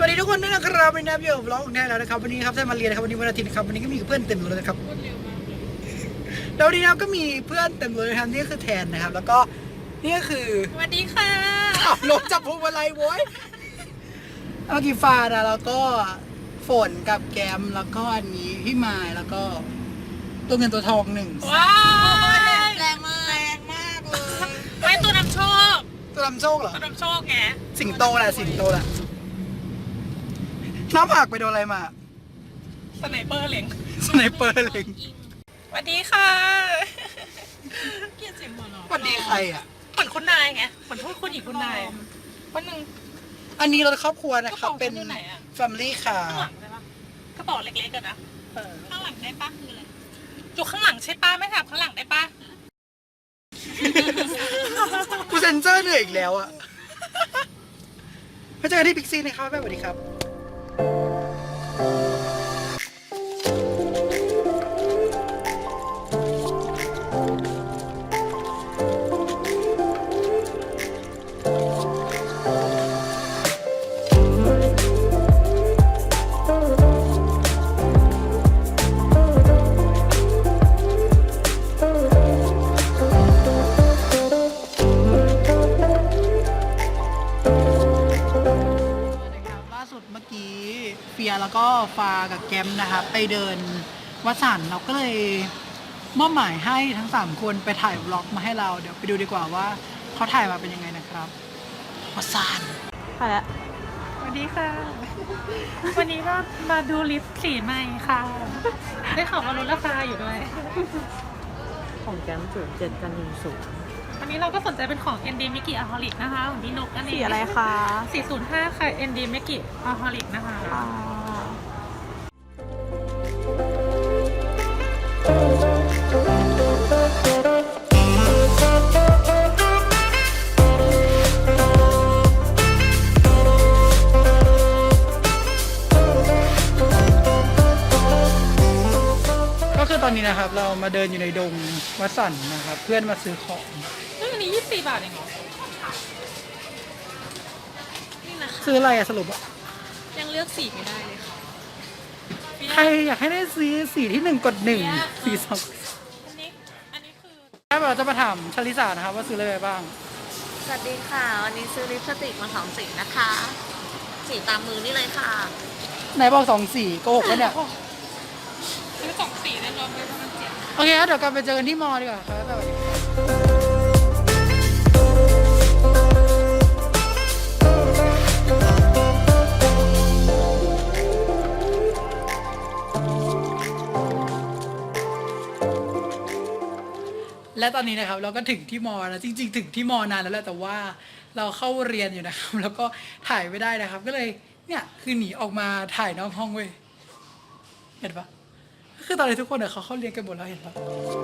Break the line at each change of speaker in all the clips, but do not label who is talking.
วัสดีทุกคนด้วยนะครับวันนี้อยู่กับวล็อกของแท้แล้วนะครับวันนี้ครับได้มาเรียนนะครับวันนี้วันอาทิตย์นะครับวันนี้ก็มีเพื่อนเต็มเลยนะครับแล้ววันนี้นะครับก็มีเพื่อนเต็มเลยนะครับนี่คือแทนนะครับแล้วก็นี่ก็คือ
สวัสดีค่ะ
ขับรถจับพวงมาลัยโว้ยเมื่อกี้ฟ้านะแล้วก็ฝนกับแกมแล้วก็อันนี้พี่ไม้แล้วก็ตัวเงินตัวทองหนึ่ง
ว้าว
แรงมากเลย
ไม่ตัวนำโชค
ตัวนำโชคเหรอ
ตัวนำโชคไง
สิงโตแหละสิงโตแหละน้ำผักไปโดนอะไรมา
สไนเปอร์เล็ง
สไนเปอร์เล็ง
สวัสดีค่ะเกียรติเสียงหัวเราะ
สวัสดีใครอ่ะ
เหมือนคุณนายไงเหมือนพูดคุณหญิงคุณนายวันหนึ่ง
อันนี้เราครอบครัวนะครับเป็น family ค่ะ
ข้างหลังได้ปะกระเป๋าเล็กๆกันนะข้างหลังได้ปะคืออะไรอยู่ข้างหลังใช่ปะไม่ถามข้างหลังได้ปะ
กูเซนเซอร์เหนื่อยอีกแล้วอะมาเจอกันที่พิกซี่นะครับแม่สวัสดีครับเฟียแล้วก็ฟากับแกมนะครับไปเดินวัดสันเราก็เลยมอบหมายให้ทั้ง3คนไปถ่ายวล็อกมาให้เราเดี๋ยวไปดูดีกว่าว่าเขาถ่ายมาเป็นยังไงนะครับวัดสัน
ไปละสวัสดีค่ะวันนี้ก็มาดูลิปสีใหม่ค่ะได้ข่าวว่าลดราคาอยู่ด้วย
ของแกม07กัน10
วันนี้เราก็สนใจเป็นของ ND Mickey Aholic นะคะของพี่นกนั่นเอง
สีอะไรคะ
405ค่ะ ND Mickey Aholic นะคะ
ก็คือตอนนี้นะครับเรามาเดินอยู่ในดงวัดสันนะครับเพื่อนมาซื้อของ
อันนี้24 บาทเองเหรอนี่นะคะ
ซื้ออะไรอะสรุปอะ
ยังเลือกสีไม่ได้เลยค่ะ
ใครอยากให้ได้ซื้อสีที่1กด1สี2
อันนี้คือ
เราจะมาถามชลิสานะครับว่าซื้ออะไรไปบ้าง
สวัสดีค่ะวันนี้ซื้อลิปสติกมา2สีนะคะสีตามมือนี่เลยค่ะ
ไหนบอก2สีโกหกปะเนี่ย
ซื้อ2 สีได้รวมไปประมาณ7
โอเคครับเดี๋ยวกลับไปเจอกันที่มอดีกว่าครับสวัสดีและตอนนี้นะครับเราก็ถึงที่มอแล้วจริงๆถึงที่มอนานแล้วแหละแต่ว่าเราเข้าเรียนอยู่นะครับแล้วก็ถ่ายไม่ได้นะครับก็เลยเนี่ยคือหนีออกมาถ่ายนอกห้องเว้ยเห็นปะคือตอนนี้ทุกคนเนี่ยเขาเข้าเรียนกันหมดแล้วเห็นปะ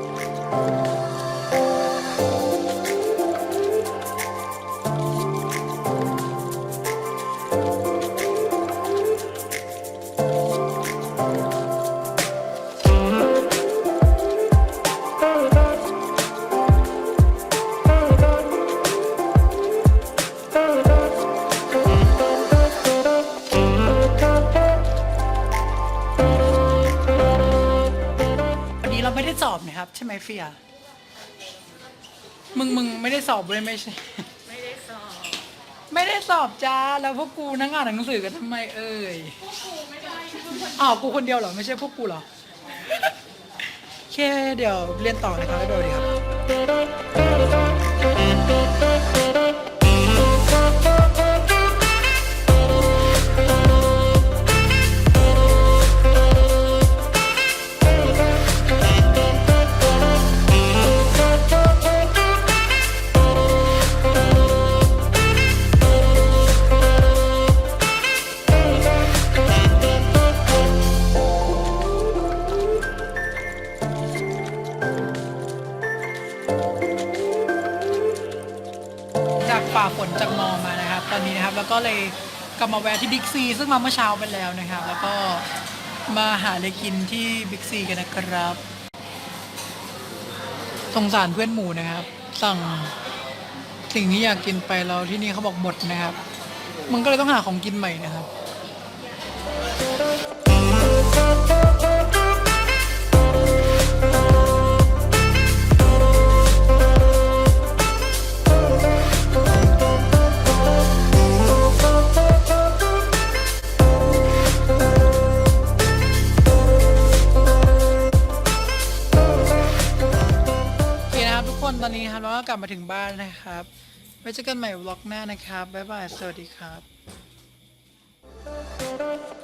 เราไม่ได้สอบนะครับใช่ไหมเฟียมึงไม่ได้สอบเลยไม่ใช่
ไม่ได้สอบ
ไม่ได้สอบจ้าแล้วพวกกูนั่งอ่านหนังสือกันทำไมเอ่ย
พวกกูไม่ได้
กูคนเดียวเหรอไม่ใช่พวกกูเหรอโอเคเดี๋ยวเรียนต่อนะครับบ๊ายบายดีครับฝ่าฝนจากมอมานะครับตอนนี้นะครับแล้วก็เลยกลับมาแวะที่บิ๊กซีซึ่งมาเมื่อเช้าไปแล้วนะครับแล้วก็มาหาอะไรกินที่บิ๊กซีกันนะครับสงสารเพื่อนหมูนะครับสั่ง สิ่งที่อยากกินไปแล้วที่นี่เขาบอกหมดนะครับมันก็เลยต้องหาของกินใหม่นะครับโอเคนะครับทุกคนตอนนี้นะครับเราก็กลับมาถึงบ้านนะครับไว้เจอกันใหม่วล็อกหน้านะครับบ๊ายบายสวัสดีครับ